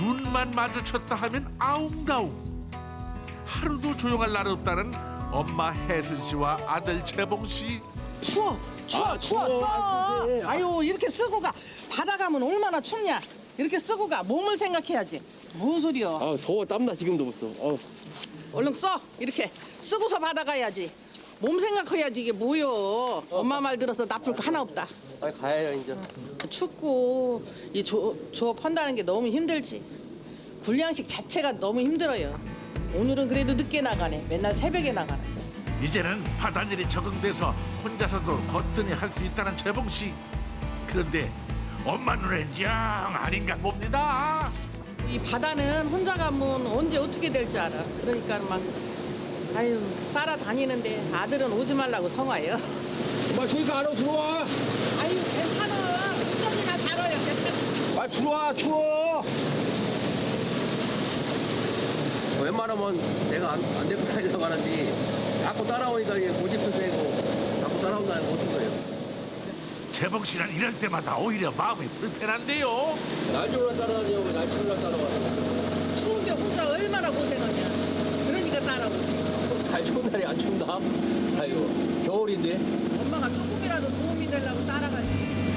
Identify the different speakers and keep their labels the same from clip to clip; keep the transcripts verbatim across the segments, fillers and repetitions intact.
Speaker 1: 눈만 마주쳤다 하면 아웅다웅. 하루도 조용할 날 없다는 엄마 혜순 씨와 아들 재봉 씨.
Speaker 2: 추워 추워
Speaker 3: 아,
Speaker 2: 추워
Speaker 3: 추워.
Speaker 2: 써.
Speaker 3: 아, 그래.
Speaker 2: 아유 이렇게 쓰고 가 바다 가면 얼마나 춥냐. 이렇게 쓰고 가 몸을 생각해야지. 뭔 소리야.
Speaker 3: 아 더워 땀나 지금도 벌써. 어.
Speaker 2: 얼른 써 이렇게 쓰고서 바다 가야지. 몸 생각해야지. 이게 뭐여. 엄마 말 들어서 나쁠 거 하나 없다.
Speaker 3: 빨리 가야 이제.
Speaker 2: 춥고 이 조, 조업한다는 게 너무 힘들지. 군량식 자체가 너무 힘들어요. 오늘은 그래도 늦게 나가네. 맨날 새벽에 나가네.
Speaker 1: 이제는 바다일이 적응돼서 혼자서도 거뜬히 할 수 있다는 재봉 씨. 그런데 엄마 눈엔 영 아닌가 봅니다.
Speaker 2: 이 바다는 혼자 가면 언제 어떻게 될 줄 알아. 그러니까 막 아유 따라다니는데 아들은 오지 말라고 성화요.
Speaker 3: 엄마 추니까 안으로 들어와.
Speaker 2: 아유 괜찮아. 운전이나 잘해요. 괜찮아.
Speaker 3: 아 들어와 추워. 웬만하면 내가 안, 안 데리고 다니려고 하는데 자꾸 따라오니까 이게 고집도 세고 자꾸 따라온다는 거 어떤 거예요?
Speaker 1: 재봉 씨는 이럴 때마다 오히려 마음이 불편한데요.
Speaker 3: 날 좋으라 따라다니고 날 추우라 따라와.
Speaker 2: 추운데 혼자 얼마나 고생하냐. 그러니까 따라오지.
Speaker 3: 날 좋은 날이 안 춥나? 아이고 겨울인데.
Speaker 2: 엄마가 조금이라도 도움이 되려고 따라가지.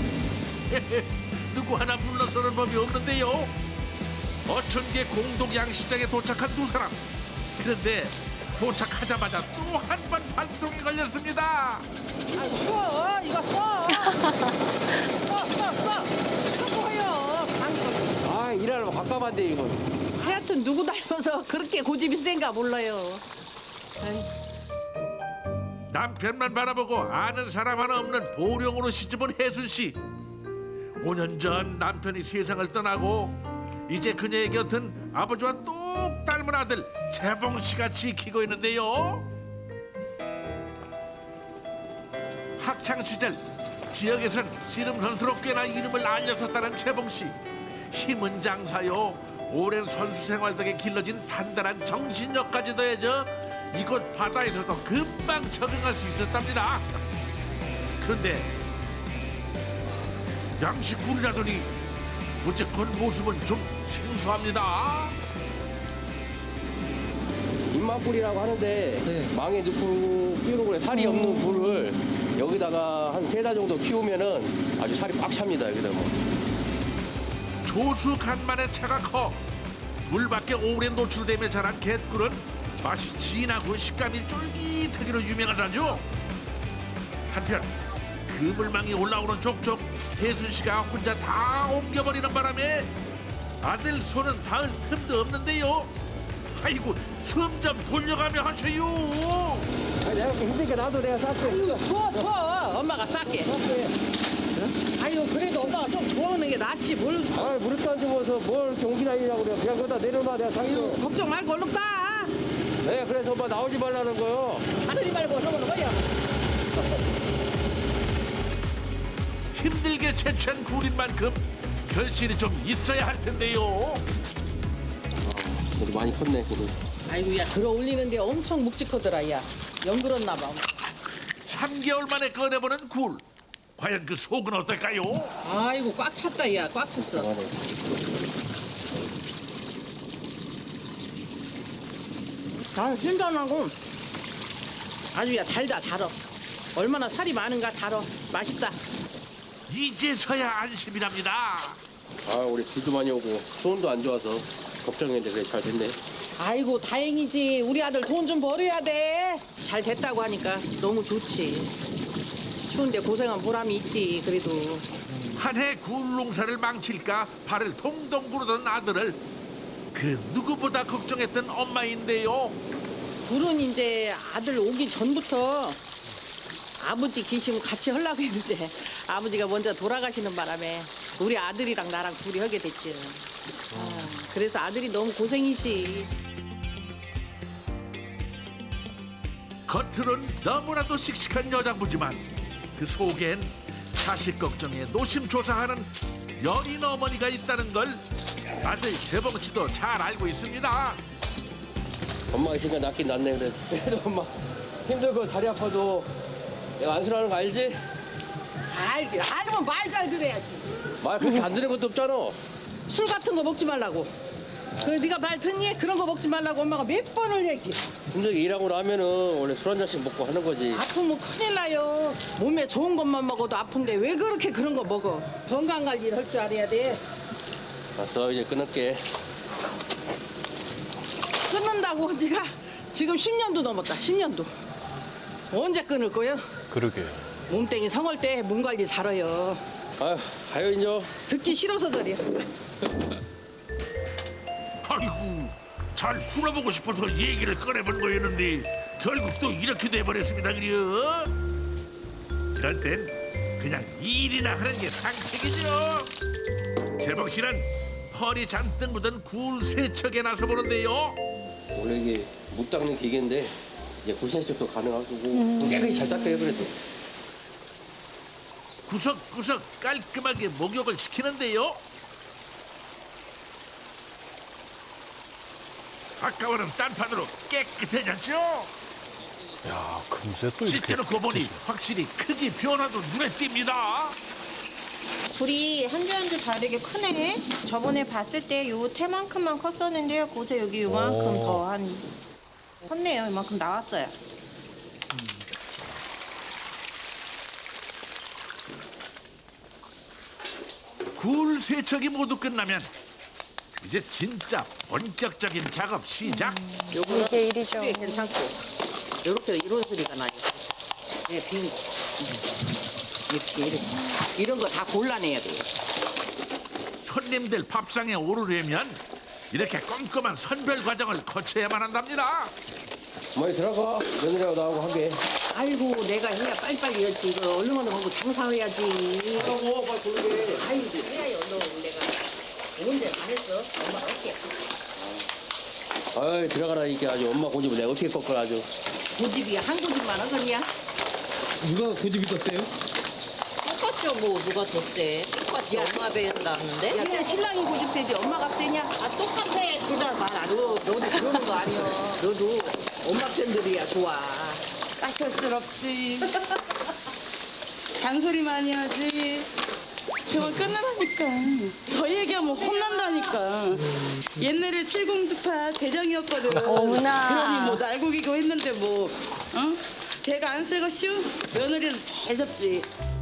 Speaker 1: 누구 하나 물러서는 법이 없는데요. 어촌계 공동 양식장에 도착한 두 사람. 그런데 도착하자마자 또 한 번 발동이 걸렸습니다.
Speaker 2: 아이고 써 이거 써. 써 써 써. 수고해요. 방금.
Speaker 3: 아 일하려면 깜깜한데 이거.
Speaker 2: 하여튼 누구 닮아서 그렇게 고집이 센가 몰라요. 아이.
Speaker 1: 남편만 바라보고 아는 사람 하나 없는 보령으로 시집온 혜순 씨. 오 년 전 남편이 세상을 떠나고 이제 그녀의 곁은 아버지와 똑 닮은 아들 재봉 씨가 지키고 있는데요. 학창 시절 지역에선 씨름 선수로 꽤나 이름을 알렸었다는 재봉 씨. 힘은 장사요. 오랜 선수 생활 덕에 길러진 단단한 정신력까지 더해져 이곳 바다에서도 금방 적응할 수 있었답니다. 그런데 양식굴이라더니 어쨌건 모습은 좀 생소합니다.
Speaker 3: 입맛불이라고 하는데 망에 넣고 끼우는 거에 살이 없는 굴을 여기다가 한 세 달 정도 키우면은 아주 살이 꽉 찹니다. 여기다 뭐.
Speaker 1: 조수 간만에 차가 커 물밖에 오래 노출되며 자란 갯굴은 맛이 진하고 식감이 쫄깃하기로 유명하다죠. 한편 그물망이 올라오는 족족 혜순 씨가 혼자 다 옮겨버리는 바람에 아들 손은 닿을 틈도 없는데요. 아이고 숨 좀 돌려가며 하셔요.
Speaker 3: 아니 내가 그렇게 힘드니까 나도 내가 쌀게.
Speaker 2: 아유 추워 추워. 엄마가 쌀게. 아유 그래도 엄마가 좀 도와오는 게 낫지 뭘.
Speaker 3: 아 물을 떠주면서 뭘 경기 다니냐고 그래. 그냥 거기다 내려놔 내가
Speaker 2: 아유
Speaker 3: 상주.
Speaker 2: 걱정 말고 얼른 따.
Speaker 3: 네 그래서 엄마 나오지 말라는 거요.
Speaker 2: 차들이 말고 얼른 얼른 거야.
Speaker 1: 힘들게 채취한 굴인 만큼 결실이 좀 있어야 할 텐데요.
Speaker 3: 그래도 많이 컸네 그래도.
Speaker 2: 아이고 야 들어 올리는데 엄청 묵직하더라 야. 연그렀나 봐.
Speaker 1: 삼 개월 만에 꺼내보는 굴. 과연 그 속은 어떨까요?
Speaker 2: 아이고 꽉 찼다 야. 꽉 찼어.
Speaker 3: 그만해.
Speaker 2: 아 신선하고 아주 야 달다 달어. 얼마나 살이 많은가 달어. 맛있다.
Speaker 1: 이제서야 안심이랍니다.
Speaker 3: 아 우리 비도 많이 오고 수온도 안 좋아서 걱정했는데 그래 잘 됐네.
Speaker 2: 아이고 다행이지. 우리 아들 돈 좀 벌어야 돼. 잘 됐다고 하니까 너무 좋지. 추운데 고생한 보람이 있지. 그래도
Speaker 1: 한 해 굴 농사를 망칠까 발을 동동 구르던 아들을 그 누구보다 걱정했던 엄마인데요.
Speaker 2: 굴은 이제 아들 오기 전부터 아버지 계시면 같이 하려고 했는데 아버지가 먼저 돌아가시는 바람에 우리 아들이랑 나랑 둘이 하게 됐지. 아, 그래서 아들이 너무 고생이지.
Speaker 1: 겉으론 너무나도 씩씩한 여장부지만 그 속엔 자식 걱정에 노심초사하는 여린 어머니가 있다는 걸 아들 재봉 씨도 잘 알고 있습니다.
Speaker 3: 엄마가 있으니까 낫긴 낫네 그래. 그래도 엄마 힘들고 다리 아파도 내가 안쓰러워하는 거 알지?
Speaker 2: 알, 알면 말 잘 들어야지.
Speaker 3: 말 그렇게 안 듣는 것도 없잖아.
Speaker 2: 술 같은 거 먹지 말라고. 그래 네가 말 듣니? 그런 거 먹지 말라고 엄마가 몇 번을 얘기해.
Speaker 3: 힘들게 일하고 나면은 원래 술 한 잔씩 먹고 하는 거지.
Speaker 2: 아프면 큰일 나요. 몸에 좋은 것만 먹어도 아픈데 왜 그렇게 그런 거 먹어? 건강 관리를 할 줄 알아야 돼.
Speaker 3: 알았어, 이제 끊을게.
Speaker 2: 끊는다고 네가 지금 십 년도 넘었다. 십 년도. 언제 끊을 거예요?
Speaker 4: 그러게.
Speaker 2: 몸땡이 성할 때 몸 관리 잘해요.
Speaker 3: 아휴, 가요, 이제.
Speaker 2: 듣기 싫어서 저래.
Speaker 1: 아이고 잘 풀어보고 싶어서 얘기를 꺼내본 거였는데 결국 또 이렇게 돼버렸습니다. 그려 이럴 땐 그냥 일이나 하는 게 상책이죠. 재봉 씨는 펄이 잔뜩 묻은 굴 세척에 나서 보는데요.
Speaker 3: 원래 이게 못 닦는 기계인데 이제 굴세척도 가능하고 깨끗이 잘 닦여요, 그래도.
Speaker 1: 구석구석 깔끔하게 목욕을 시키는데요. 아까와는 딴판으로 깨끗해졌죠.
Speaker 4: 야, 금세 또 이렇게.
Speaker 1: 씻겨놓고 보니
Speaker 4: 드시네.
Speaker 1: 확실히 크기 변화도 눈에 띕니다.
Speaker 5: 굴이 한 줄 한 줄 다르게 크네. 저번에 봤을 때 요 태만큼만 컸었는데요. 곳에 여기 요만큼
Speaker 4: 오.
Speaker 5: 더 한 컸네요. 이만큼 나왔어요.
Speaker 1: 굴 세척이 모두 끝나면 이제 진짜 본격적인 작업 시작.
Speaker 2: 요거는
Speaker 5: 이게 일이죠.
Speaker 2: 수비에 괜찮고 요렇게 이런 소리가 나요. 예, 빈 거. 이렇게 이렇게 이런 거 다 골라내야 돼요.
Speaker 1: 손님들 밥상에 오르려면 이렇게 꼼꼼한 선별 과정을 거쳐야만 한답니다.
Speaker 3: 어머니 들어가. 며느리하고 나하고 하게.
Speaker 2: 아이고 내가 해야 빨리빨리 했지. 이거 얼른 얼른 하고 장사해야지.
Speaker 3: 하고 빨리 돌게.
Speaker 2: 아이고 해야요 얼른 내가. 언제 안 했어? 엄마가 어떻게
Speaker 3: 아이, 들어가라, 이게 아주 엄마 고집을 내가 어떻게 꺾어, 아주.
Speaker 2: 고집이야 한 고집만 하겠냐?
Speaker 6: 누가 고집이 떴대요?
Speaker 5: 똑같죠. 뭐 누가 더 세? 똑같지. 엄마 배운다는데.
Speaker 2: 야, 그냥 신랑이 고집 세지 엄마가 세냐?
Speaker 5: 아 똑같아. 둘 다 말 안
Speaker 2: 너, 너도 그러는 거 아니야. 너도 엄마 팬들이야 좋아.
Speaker 7: 까탈스럽지. 잔소리 많이 하지. 그만 끊으라니까. 더 얘기하면 혼난다니까. 옛날에 칠공주파 대장이었거든.
Speaker 5: 어머나.
Speaker 7: 그러니 뭐 날고기고 했는데 뭐, 어? 걔가 안 세고 쉬운 며느리는 잘 잡지.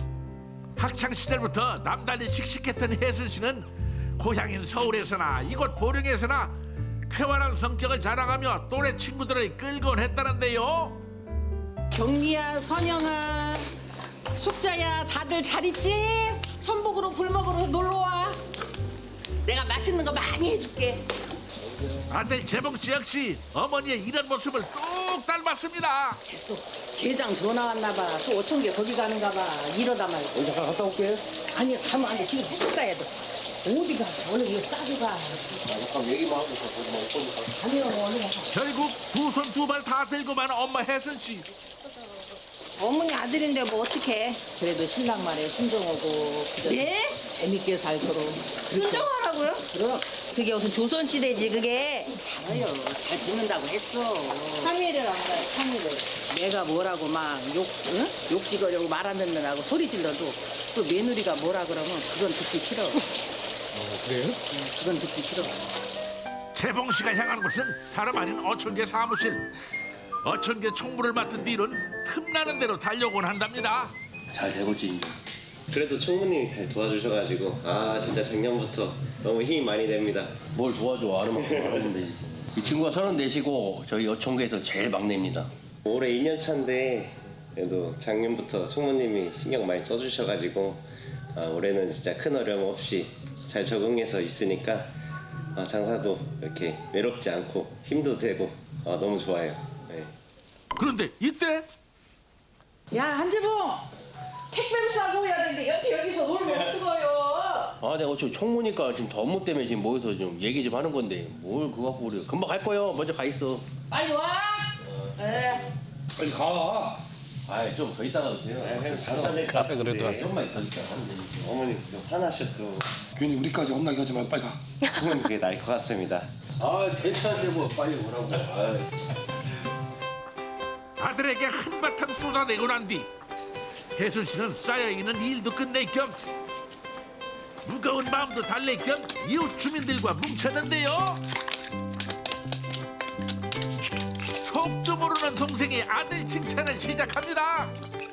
Speaker 1: 학창 시절부터 남달리 씩씩했던 혜순 씨는 고향인 서울에서나 이곳 보령에서나 쾌활한 성격을 자랑하며 또래 친구들을 끌곤 했다는데요.
Speaker 2: 경리야, 선영아, 숙자야, 다들 잘 있지? 천복으로 굴먹으로 놀러 와. 내가 맛있는 거 많이 해줄게.
Speaker 1: 아들 재봉 씨 역시 어머니의 이런 모습을 뚝 닮았습니다.
Speaker 2: 또 계장 전화 왔나 봐. 또 오천개 거기 가는가 봐. 이러다 말고.
Speaker 3: 여기 잠깐 갔다 올게.
Speaker 2: 아니 가면 안 돼. 지금 해줄 싸야 돼. 어디 가? 얼른 이거 싸고 가.
Speaker 3: 아, 잠깐 얘기만 하고 있어. 거기 뭐 어쩌니까.
Speaker 2: 아니요, 얼른 가.
Speaker 1: 결국 두 손 두 발 다 들고만 엄마 혜순 씨.
Speaker 5: 어머니 아들인데 뭐 어떡해.
Speaker 2: 그래도 신랑 말에 순종하고 그저
Speaker 7: 예?
Speaker 2: 재밌게 살도록.
Speaker 5: 순정하라고요?
Speaker 2: 그럼
Speaker 5: 그게 무슨 조선시대지 그게.
Speaker 2: 잘해요. 잘 듣는다고 했어.
Speaker 5: 삼 일을 안 가요. 삼 일을.
Speaker 2: 내가 뭐라고 막 욕, 응? 욕 찍으려고 말 안 듣는다고 소리 질러도 또 며느리가 뭐라 그러면 그건 듣기 싫어.
Speaker 6: 그래요?
Speaker 2: 응, 그건 듣기 싫어.
Speaker 1: 재봉 씨가 향한 곳은 다름 아닌 어촌계 사무실. 어촌계 총무를 맡은 뒤로는 틈나는 대로 달려오곤 한답니다.
Speaker 3: 잘 되고 있지, 이제.
Speaker 8: 그래도 총무님이 잘 도와주셔가지고 아 진짜 작년부터 너무 힘이 많이 됩니다.
Speaker 3: 뭘 도와줘, 아는 만큼 알아보면 되지. 이 친구가 서른넷이고 저희 어촌계에서 제일 막내입니다.
Speaker 8: 올해 이 년 차인데 그래도 작년부터 총무님이 신경 많이 써주셔가지고 아, 올해는 진짜 큰 어려움 없이 잘 적응해서 있으니까 아, 장사도 이렇게 외롭지 않고 힘도 되고 아, 너무 좋아요. 네.
Speaker 1: 그런데 이때
Speaker 2: 야 한지봉 택배를 싸고 해야 되는데 여태 여기서 놀면 어떡해요?
Speaker 3: 아, 내가 어쩌 총무니까 지금 더 업무 때문에 지금 모여서 좀 얘기 좀 하는 건데 뭘 그거 갖고 우리 금방 갈 거예요. 먼저 가 있어.
Speaker 2: 빨리 와. 예.
Speaker 3: 빨리 가. 아이, 좀 더 있다가도 돼요.
Speaker 8: 장사 될것
Speaker 4: 앞에 그래도
Speaker 8: 같은데
Speaker 3: 좀만 더 있다 하면 되지.
Speaker 8: 어머니 또 화나셔 또
Speaker 6: 괜히 우리까지 혼나게 하지 말고 빨리 가.
Speaker 8: 총무님 그게 나을 것 같습니다.
Speaker 3: 아, 괜찮은데 뭐 빨리 오라고. 아이.
Speaker 1: 아들에게 한바탕 쏟아내고 난 뒤 혜순 씨는 쌓여있는 일도 끝낼 겸 무거운 마음도 달랠 겸 이웃 주민들과 뭉쳤는데요. 속도 모르는 동생이 아들 칭찬을 시작합니다.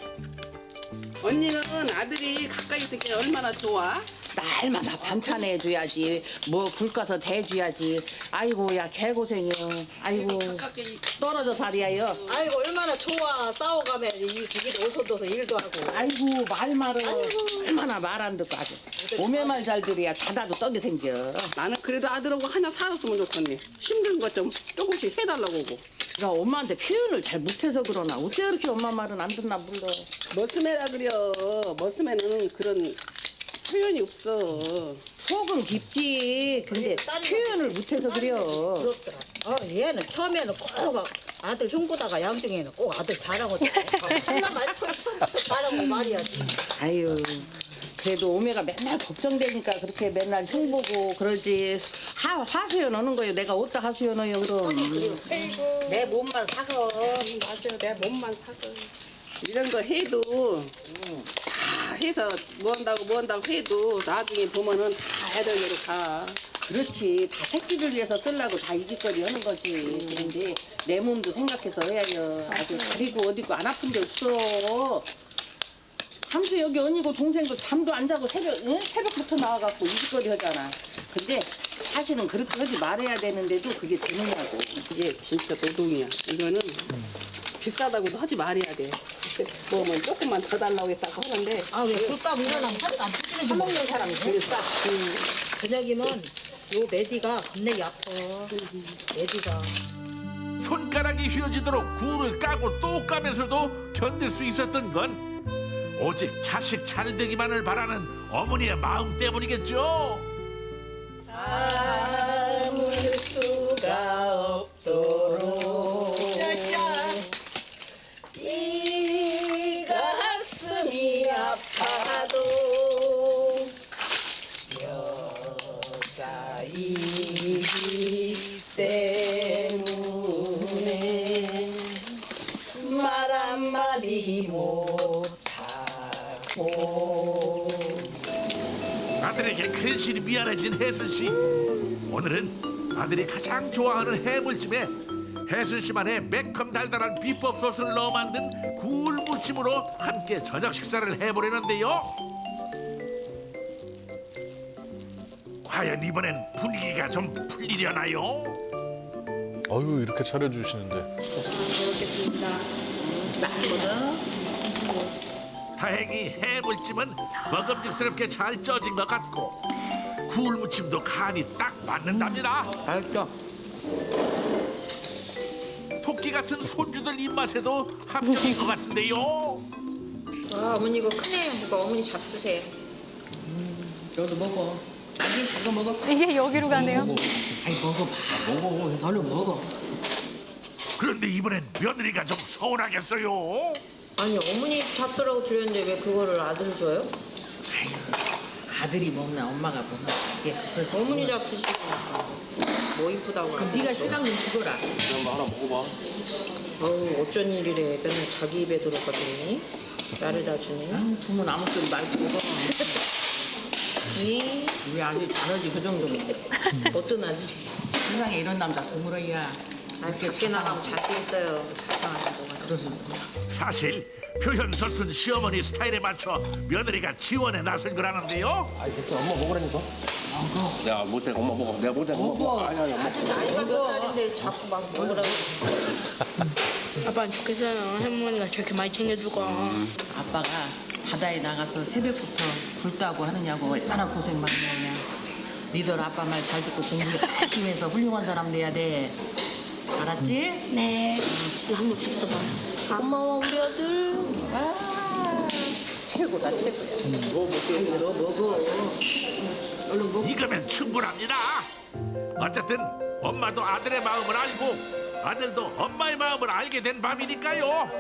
Speaker 7: 언니는 아들이 가까이 있으니까 얼마나 좋아?
Speaker 2: 날마다 반찬 해줘야지. 뭐 불 꺼서 대줘야지. 아이고 야 개고생이요. 아이고
Speaker 7: 가깝게
Speaker 2: 떨어져 살이야요.
Speaker 9: 아이고 얼마나 좋아. 싸워가면 이 저기도 오서도서 일도 하고.
Speaker 2: 아이고 말 말어. 얼마나 말 안 듣고 아주. 오메 말 잘 들어야 자다도 떡이 생겨.
Speaker 7: 나는 그래도 아들하고 하나 살았으면 좋겠네. 힘든 것 좀 조금씩 해달라고 하고.
Speaker 2: 내가 엄마한테 표현을 잘 못해서 그러나 어째 이렇게 엄마 말은 안 듣나 몰라.
Speaker 7: 머스매라 그려. 머스매는 그런 표현이 없어.
Speaker 2: 속은 깊지. 근데
Speaker 9: 딸이
Speaker 2: 표현을 못해서 그려.
Speaker 9: 그렇더라. 어, 얘는 처음에는 꼭 아들 흉보다가 양중에는 꼭 아들 잘하고 하나만 잘하고 말이야지.
Speaker 2: 아유 그래도 오메가 맨날 걱정되니까 그렇게 맨날 흉보고 그러지. 하, 하수연 오는 거예요. 내가 어디다 하수연 어요 그럼. 내 몸만 사거.
Speaker 7: 맞아, 내 몸만 사고. 이런 거 해도 다 해서 뭐 한다고 뭐 한다고 해도 나중에 보면은 다 애들로 가.
Speaker 2: 그렇지. 다 새끼를 위해서 쓰려고 다 이짓거리 하는 거지. 그런데 내 몸도 생각해서 해야요. 아주 다리고 어디고 안 아픈 데 없어. 삼수 여기 언니고 동생도 잠도 안 자고 새벽, 응? 새벽부터 나와갖고 이짓거리 하잖아. 근데 사실은 그렇게 하지 말아야 되는데도 그게 되느냐고.
Speaker 7: 이게 진짜 노동이야. 이거는 비싸다고도 하지 말아야 돼. 뭐뭐 조금만 더 달라고 했다고 하는데
Speaker 9: 아왜 불밥 일어나면 살도 안 찌르지.
Speaker 2: 사먹는 사람이 제일 싸.
Speaker 9: 그녀기는 요 메디가 겁내기 아파. 메디가.
Speaker 1: 손가락이 휘어지도록 굴을 까고 또 까면서도 견딜 수 있었던 건 오직 자식 잘 되기만을 바라는 어머니의 마음 때문이겠죠.
Speaker 2: 참을 수가 없도록 이 가슴이 아파도 여자이기 때문에 말 한마디 못하고
Speaker 1: 아들에게 괜시리 미안해진 혜순 씨. 오늘은 아들이 가장 좋아하는 해물찜에 혜순 씨만의 매콤 달달한 비법 소스를 넣어 만든 굴 무침으로 함께 저녁 식사를 해보려는데요. 과연 이번엔 분위기가 좀 풀리려나요?
Speaker 4: 아유, 이렇게 차려주시는데.
Speaker 1: 다행히 해물찜은 먹음직스럽게 잘 쪄진 것 같고 굴 무침도 간이 딱 맞는답니다.
Speaker 2: 맛있어.
Speaker 1: 토끼 같은 손주들 입맛에도 합격인 것 같은데요.
Speaker 5: 와 어머니 이거 크네요. 뭐가 어머니 잡수세요.
Speaker 2: 너도 먹어. 아니 이거 먹어.
Speaker 10: 이게 여기로 가네요.
Speaker 2: 아이 먹어봐. 먹어. 얼른 먹어.
Speaker 1: 그런데 이번엔 며느리가 좀 서운하겠어요.
Speaker 5: 아니 어머니 잡수라고 드렸는데 왜 그거를 아들 줘요?
Speaker 2: 아들이 먹나 엄마가 먹나 이게 그거지.
Speaker 5: 어머니 잡수시고 뭐 이쁘다고
Speaker 2: 그럼 네가 시간 좀 주거라.
Speaker 3: 한번 하나 먹어봐.
Speaker 5: 어우 어쩐 일이래. 맨날 자기 입에 들어가더니 나를 다 주네.
Speaker 2: 아유, 두문 아무 소리 말고 먹어.
Speaker 5: 이
Speaker 2: 우리 아들 잘하지 그 정도면.
Speaker 5: 어떤 아들?
Speaker 2: 세상에 이런 남자 드물어야.
Speaker 5: 아 밖에 나가면 작게 있어요. 자상한 거가.
Speaker 1: 사실 표현 서툰 시어머니 스타일에 맞춰 며느리가 지원에 나선 거라는데요.
Speaker 3: 아이 됐어. 엄마 먹으라니까. 먹어. 내가 못해. 엄마 먹어. 내가 못해. 엄마 먹어. 아니 아니 엄마.
Speaker 5: 나이가 몇 살인데 자꾸 막 먹으라고.
Speaker 10: 아빠는 좋겠어요. 할머니가 저렇게 많이 챙겨주고.
Speaker 2: 아빠가 바다에 나가서 새벽부터 불 따고 하느냐고 얼마나 고생 많이 했냐. 니들 아빠 말 잘 듣고 공부 열심히 해서 훌륭한 사람 돼야 돼. 알았지?
Speaker 10: 네. 이거 한번 잡숴봐.
Speaker 2: 고마워 우리 아들. 아 최고다 최고야. 뭐 먹게 너 먹어. 얼른 먹어.
Speaker 1: 이거면 충분합니다. 어쨌든 엄마도 아들의 마음을 알고 아들도 엄마의 마음을 알게 된 밤이니까요.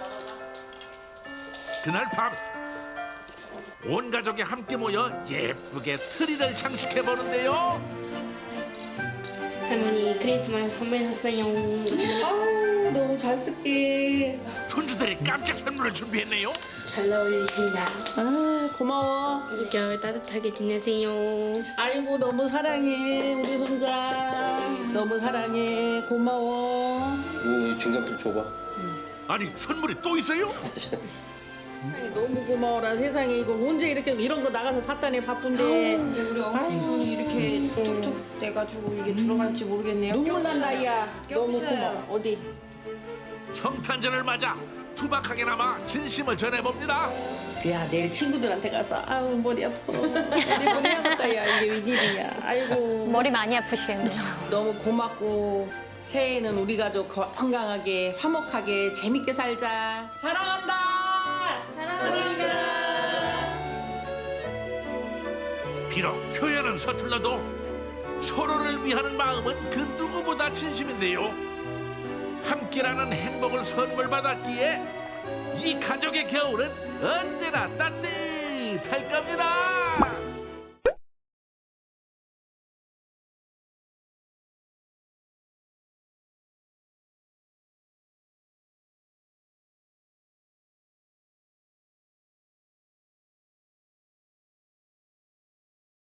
Speaker 1: 그날 밤 온 가족이 함께 모여 예쁘게 트리를 장식해 보는데요.
Speaker 10: 할머니 크리스마스 선물 샀어요.
Speaker 2: 아우 너무 잘 쓸게.
Speaker 1: 손주들이 깜짝 선물을 준비했네요.
Speaker 10: 잘 어울리신다.
Speaker 2: 아 고마워.
Speaker 10: 겨울 따뜻하게 지내세요.
Speaker 2: 아이고 너무 사랑해 우리 손자. 너무 사랑해 고마워.
Speaker 3: 이거 중간필 줘봐.
Speaker 1: 아니 선물이 또 있어요?
Speaker 2: 아이, 너무 고마워라 세상에. 이걸 언제 이렇게 이런 거 나가서 샀다니 바쁜데.
Speaker 5: 우리 어머니 손이 이렇게 툭툭 돼가지고 이게 들어갈지 모르겠네요.
Speaker 2: 눈물 난다 야. 너무 고마워. 어디?
Speaker 1: 성탄절을 맞아 투박하게나마 진심을 전해봅니다.
Speaker 2: 야 내일 친구들한테 가서 아우 머리 아파. 머리 머리 아프다 야 이게 웬일이냐. 아이고
Speaker 11: 머리 많이 아프시겠네요.
Speaker 2: 너무 고맙고 새해에는 우리 가족 건강하게 화목하게 재밌게 살자. 사랑한다. 사랑합니다.
Speaker 1: 비록 표현은 서툴러도 서로를 위하는 마음은 그 누구보다 진심인데요. 함께라는 행복을 선물 받았기에 이 가족의 겨울은 언제나 따뜻할 겁니다.